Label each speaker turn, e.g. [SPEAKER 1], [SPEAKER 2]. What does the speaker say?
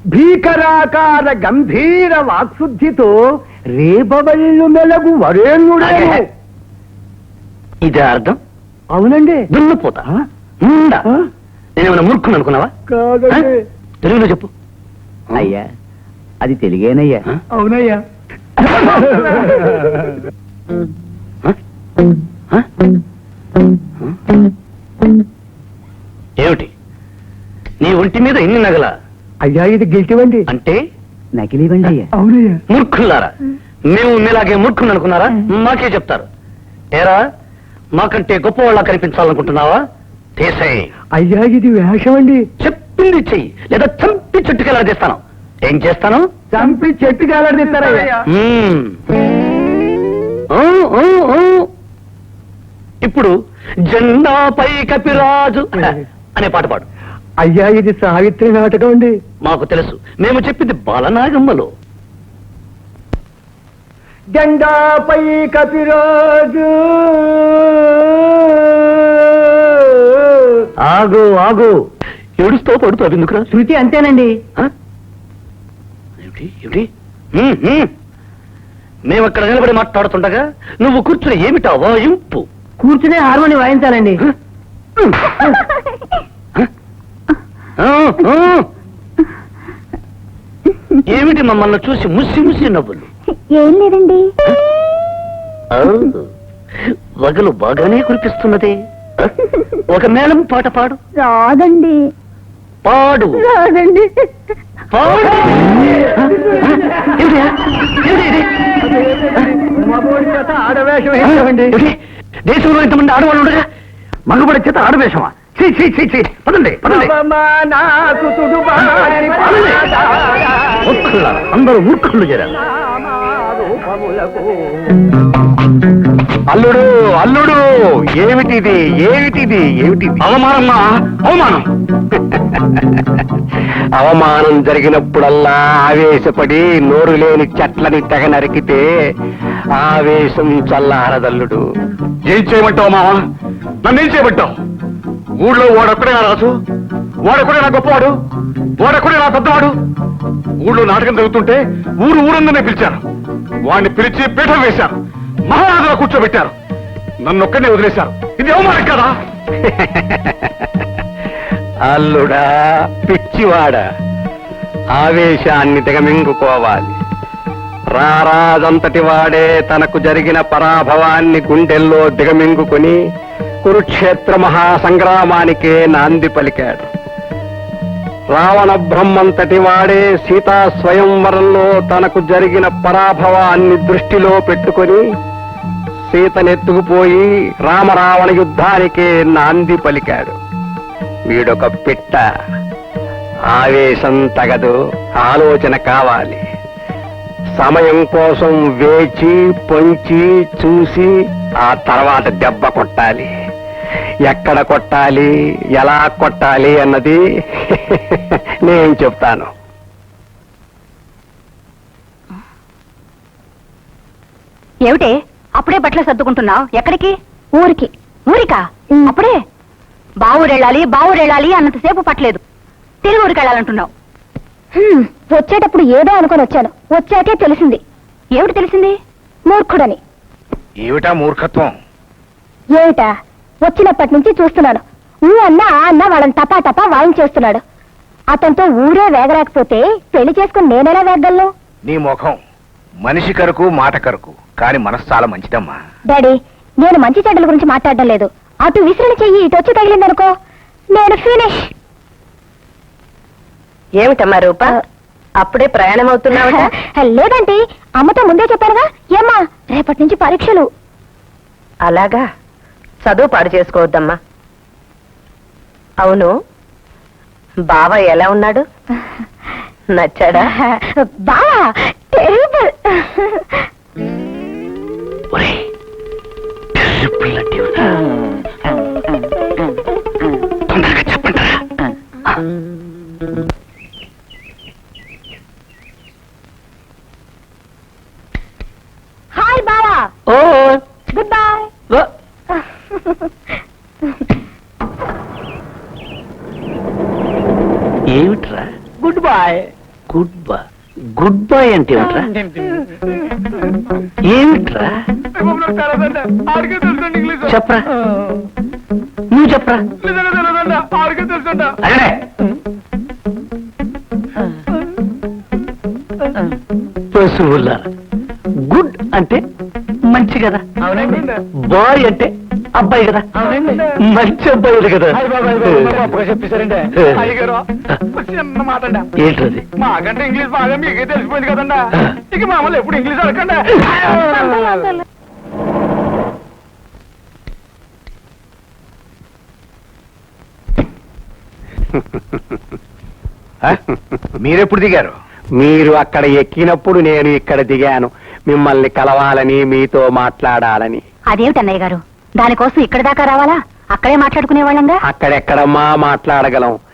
[SPEAKER 1] భీకరాకార గంభీర వాక్శుద్ధితో రేపవల్లు మెలగు వరేణ్యుడే.
[SPEAKER 2] ఇదే అర్థం?
[SPEAKER 1] అవునండి.
[SPEAKER 2] దున్నపోతా నేనేమైనా మూర్ఖుని అనుకున్నావా?
[SPEAKER 1] కాదండి.
[SPEAKER 2] తెలుగులో చెప్పు.
[SPEAKER 3] అయ్యా అది తెలుగేనయ్యా.
[SPEAKER 1] అవునయ్యా.
[SPEAKER 2] ఏమిటి నీ ఒంటి మీద ఎన్ని నగల?
[SPEAKER 1] అయ్యా ఇది గిల్టివండి.
[SPEAKER 2] అంటే
[SPEAKER 3] నకిలీవండి అయ్యా.
[SPEAKER 1] అవునయ్యా.
[SPEAKER 2] మూర్ఖులారా, మేము మీలాగే మూర్ఖుని అనుకున్నారా? మాకే చెప్తారు. ఏరా, మాకంటే గొప్పవాళ్ళ కనిపించాలనుకుంటున్నావా? తీసేయ్.
[SPEAKER 1] అయ్యా ఇది వేషం అండి.
[SPEAKER 2] చెప్పింది చెయ్యి, లేదా చంపి చుట్టుకెళ్ళదీస్తాను. ఏం చేస్తాను?
[SPEAKER 1] చంపి చెట్టుకి ఎలాడిస్తారయ్యా.
[SPEAKER 2] ఇప్పుడు జెండాపై కపిరాజు అనే పాట పాడు.
[SPEAKER 1] అయ్యా ఇది సావిత్రి నాటకం అండి.
[SPEAKER 2] మాకు తెలుసు, మేము చెప్పింది బాలనాగమ్మలో.
[SPEAKER 1] జెండాపై కపిరాజు.
[SPEAKER 2] ఆగు ఆగు, ఏడుస్తూ పడుతావు ఎందుకురా?
[SPEAKER 3] శృతి అంతేనండి.
[SPEAKER 2] ఏమిటి ఏమిటి? మేమక్కడ నిలబడి మాట్లాడుతుండగా నువ్వు కూర్చుని ఏమిటా వాయింపు?
[SPEAKER 3] కూర్చునే హార్మోని వాయించాలండి.
[SPEAKER 2] ఏమిటి మమ్మల్ని చూసి ముసి ముసి నవ్వులు?
[SPEAKER 4] ఏం లేదండి.
[SPEAKER 2] వగలు బాగానే కురిపిస్తున్నదే. ఒక మేళం పాట పాడు.
[SPEAKER 4] రాదండి.
[SPEAKER 2] పాడు.
[SPEAKER 4] రాదండి.
[SPEAKER 2] పాడు.
[SPEAKER 1] మగోడి చేత ఆడవేషం వేసామండి.
[SPEAKER 2] దేశంలో ఇంతమంది ఆడవాళ్ళు ఉండగా మగబడి చేత ఆడవేషమా? పదండి పదండి. మూర్ఖులారా, అందరూ మూర్ఖులు చేరారు.
[SPEAKER 1] అల్లుడు అల్లుడు ఏమిటిది ఏమిటిది ఏమిటిది?
[SPEAKER 2] అవమానమ్మా, అవమానం.
[SPEAKER 1] అవమానం జరిగినప్పుడల్లా ఆవేశపడి నోరు లేని చెట్లని తెగ నరికితే ఆవేశం చల్లారదల్లుడు.
[SPEAKER 5] ఏం చేయమంటావు మావా? నన్నేం చేయమంటావు? ఊళ్ళో వాడొక్కడే నా రాజు, వాడొక్కడే నా గొప్పవాడు, వాడొక్కడే నా పెద్దవాడు. ఊళ్ళో నాటకం జరుగుతుంటే ఊరందరినీ పిలిచారు. వాడిని పిలిచి పీఠం వేశారు, మహారాజులో కూర్చోబెట్టారు. నన్నొక్కడే వదిలేశారు. ఇది అవమానం కదా?
[SPEAKER 1] అల్లుడా పిచ్చివాడా, ఆవేశాన్ని దిగమింగుకోవాలి. రారాజంతటి వాడే తనకు జరిగిన పరాభవాన్ని గుండెల్లో దిగమింగుకుని కురుక్షేత్ర మహాసంగ్రామానికే నాంది పలికాడు. రావణ బ్రహ్మంతటి వాడే సీతా స్వయంవరంలో తనకు జరిగిన పరాభవాన్ని దృష్టిలో పెట్టుకొని సీతనెత్తుకుపోయి రామరావణ యుద్ధానికే నాంది పలికాడు. వీడొక పిట్ట. ఆవేశం తగదు, ఆలోచన కావాలి. సమయం కోసం వేచి పొంచి చూసి ఆ తర్వాత దెబ్బ కొట్టాలి. ఎక్కడ కొట్టాలి, ఎలా కొట్టాలి అన్నది నేను చెప్తాను.
[SPEAKER 4] ఏమిటే అప్పుడే బట్టలు సర్దుకుంటున్నావు? ఎక్కడికి? ఊరికి. ఊరికా? అప్పుడే? బావురెళ్ళాలి అన్నంతసేపు పట్టలేదు, తిరిగి ఊరికి వెళ్ళాలంటున్నావు. వచ్చేటప్పుడు ఏదో అనుకొని వచ్చాను, వచ్చాకే తెలిసింది. ఏమిటి తెలిసింది? మూర్ఖుడని.
[SPEAKER 5] ఏమిటా మూర్ఖత్వం?
[SPEAKER 4] ఏమిటా? వచ్చినప్పటి నుంచి చూస్తున్నాను. అన్న అన్న వాళ్ళని టపా టపా వాయించేస్తున్నాడు. అతనితో ఊరే వేగరాకపోతే పెళ్లి చేసుకుని నేనెలా వేగలను?
[SPEAKER 5] నీ ముఖం మనిషి కరకు మాట కరకు, కానీ మనసు చాలా మంచిదమ్మా.
[SPEAKER 4] డాడీ, నేను మంచి చెడ్డల గురించి మాట్లాడడం లేదు. అటు విసిరిన చెయ్యి ఇటు వచ్చి తగిలిందనుకో, నేను ఫినిష్.
[SPEAKER 6] ఏమిటమ్మా రూప, అప్పుడే ప్రయాణం అవుతున్నావట?
[SPEAKER 4] లేదంటే అమ్మతో ముందే చెప్పానుగా. ఏమ్మా, రేపటి నుంచి పరీక్షలు.
[SPEAKER 6] అలాగా, చదువు పాడు చేసుకోవద్దమ్మా. అవును, బావ ఎలా ఉన్నాడు? నచ్చాడా?
[SPEAKER 4] బావా టెరిబుల్.
[SPEAKER 2] తొందరగా చెప్పండి.
[SPEAKER 4] హాయ్ బావా.
[SPEAKER 2] ఓ
[SPEAKER 4] గుడ్ బై.
[SPEAKER 2] ఏమిట్రా?
[SPEAKER 1] Good boy.
[SPEAKER 2] గుడ్ బాయ్ అంటే ఏమిట్రా ఏమిట్రా చెప్పరా నువ్వు చెప్పరా అదే పశువుల గుడ్ అంటే మంచి కదా
[SPEAKER 3] అవునండి.
[SPEAKER 2] బాయ్ అంటే అబ్బాయి కదా మంచి అబ్బాయిలు కదా
[SPEAKER 5] చెప్పేశారండి అయ్యగారు చిన్న మాట అండి
[SPEAKER 2] ఏంటది
[SPEAKER 5] మాకంటే ఇంగ్లీష్ బాగా మీకే తెలిసిపోయింది కదండి ఇక మామూలు ఎప్పుడు ఇంగ్లీష్ అడగండి
[SPEAKER 1] మీరెప్పుడు దిగారు? మీరు అక్కడ ఎక్కినప్పుడు నేను ఇక్కడ దిగాను, మిమ్మల్ని కలవాలని, మీతో మాట్లాడాలని.
[SPEAKER 4] అదేమిటన్నయ్య గారు, దానికోసం ఇక్కడ దాకా రావాలా? అక్కడే మాట్లాడుకునే వాళ్ళంగా.
[SPEAKER 1] అక్కడెక్కడమ్మా మాట్లాడగలం?